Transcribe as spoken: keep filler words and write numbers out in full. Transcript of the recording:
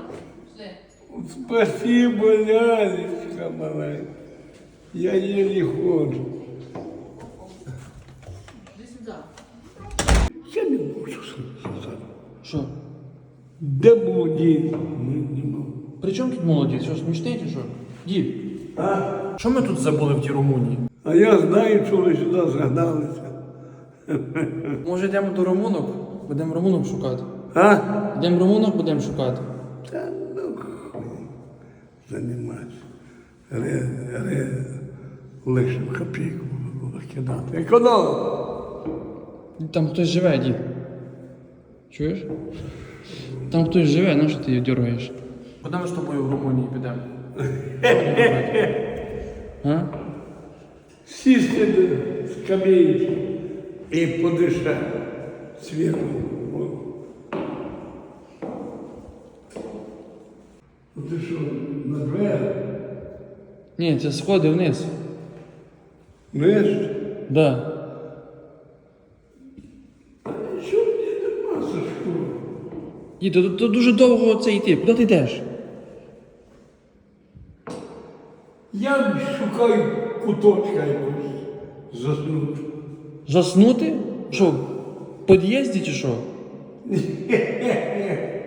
Все. Спасибо, лялечка маленька. Я еле ходжу. Іди сюди. Я не можу сказати. Що? Де був дід? Не, не можу. При чому тут молодець? Що, смішний чи що? Дід, А? що ми тут забули в тій Румунії? А я знаю, що ви сюди згадалися. Може йдемо до румунок? Будемо румунок шукати. А? Йдемо румунок, будемо шукати. Та ну хуй займайся. Ре, ре, лише в копійку було кидати. Економ! Там хтось живе, дід. Чуєш? Там хтось живе, на що ти її дергаєш? Куди ми з тобою в Румунії підемо? А? Сісти до скамейки і подишати свіжим воздухом. Ти що, на двері? Ні, це сходи вниз. Знаєш? Да. Що мені нема за що? Дід, тут, тут дуже довго це йти. Куди ти йдеш? Я шукаю куточка якось заснути. Заснути? Що, в під'їзді чи що?